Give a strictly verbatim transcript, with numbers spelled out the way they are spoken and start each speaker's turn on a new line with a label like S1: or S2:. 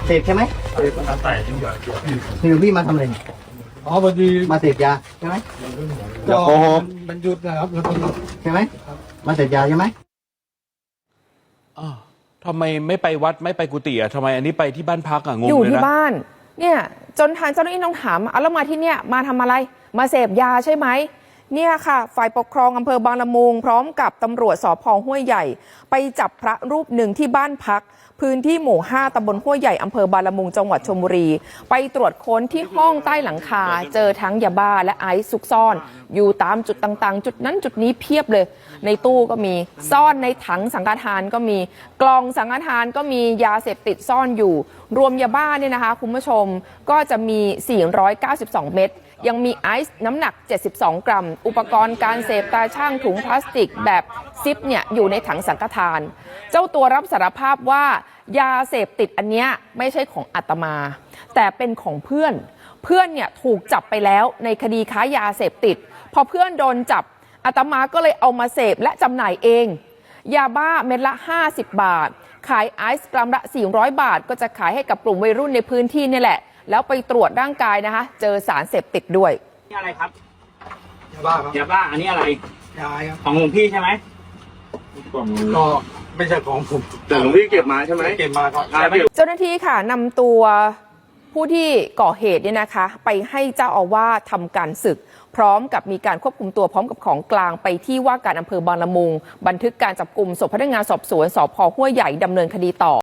S1: เสพใช่ไหมคือพี่มาทำอะไร
S2: อ๋อพอดี
S1: มาเสพยาใช่ไหม
S2: ก็มันหยุดนะครับแล้วก็
S1: ใช่ไหมมาเสพยาใช่ไหม
S3: อ้าวทำไมไม่ไปวัดไม่ไปกุฏิอ่ะทำไมอันนี้ไปที่บ้านพักอ่ะงงเลยนะ
S4: อยู่ที่บ้านเนี่ยจนทางเจ้าหน้าที่ต้องถามเอาแล้วมาที่เนี่ยมาทำอะไรมาเสพยาใช่ไหมเนี่ยค่ะฝ่ายปกครองอำเภอบางละมุงพร้อมกับตำรวจสภ.ห้วยใหญ่ไปจับพระรูปหนึ่งที่บ้านพักพื้นที่หมู่ห้าตำบลห้วยใหญ่อำเภอบางละมุงจังหวัดชลบุรีไปตรวจค้นที่ห้องใต้หลังคาเจอทั้งยาบ้าและไอซ์ซุกซ่อนอยู่ตามจุดต่างๆจุดนั้นจุดนี้เพียบเลยในตู้ก็มีซ่อนในถังสังฆทานก็มีกล่องสังฆทานก็มียาเสพติดซ่อนอยู่รวมยาบ้าเนี่ยนะคะคุณผู้ชมก็จะมีสี่ร้อยเก้าสิบสองเม็ดยังมีไอซ์น้ำหนักเจ็ดสิบสองกรัมอุปกรณ์การเสพตาช่างถุงพลาสติกแบบซิปเนี่ยอยู่ในถังสังฆทานเจ้าตัวรับสารภาพว่ายาเสพติดอันเนี้ยไม่ใช่ของอาตมาแต่เป็นของเพื่อนเพื่อนเนี่ยถูกจับไปแล้วในคดีค้ายาเสพติดพอเพื่อนโดนจับอาตมาก็เลยเอามาเสพและจำหน่ายเองยาบ้าเม็ดละห้าสิบบาทขายไอซ์กรัมละสี่ร้อยบาทก็จะขายให้กับกลุ่มวัยรุ่นในพื้นที่นี่แหละแล้วไปตรวจร่างกายนะคะเจอสารเสพติดด้วย
S5: นี่อะไรครับ
S2: ยาบ้าครับ
S5: ยาบ้าอันนี้อะไร
S2: ยาครับ
S5: ของหลวงพี่ใช่ไหม
S2: ก็ไม่ใช่ของผม
S6: แต่หลวงพี่เก็บมาใช่ไหม
S2: เก็บมาครับ
S4: เจ้าหน้าที่ค่ะนำตัวผู้ที่ก่อเหตุเนี่ยนะคะไปให้เจ้าอาวาสทำการศึกพร้อมกับมีการควบคุมตัวพร้อมกับของกลางไปที่ว่าการอำเภอบางละมุงบันทึกการจับกุมส่งพนักงานสอบสวนสภ.ห้วยใหญ่ดำเนินคดีต่อ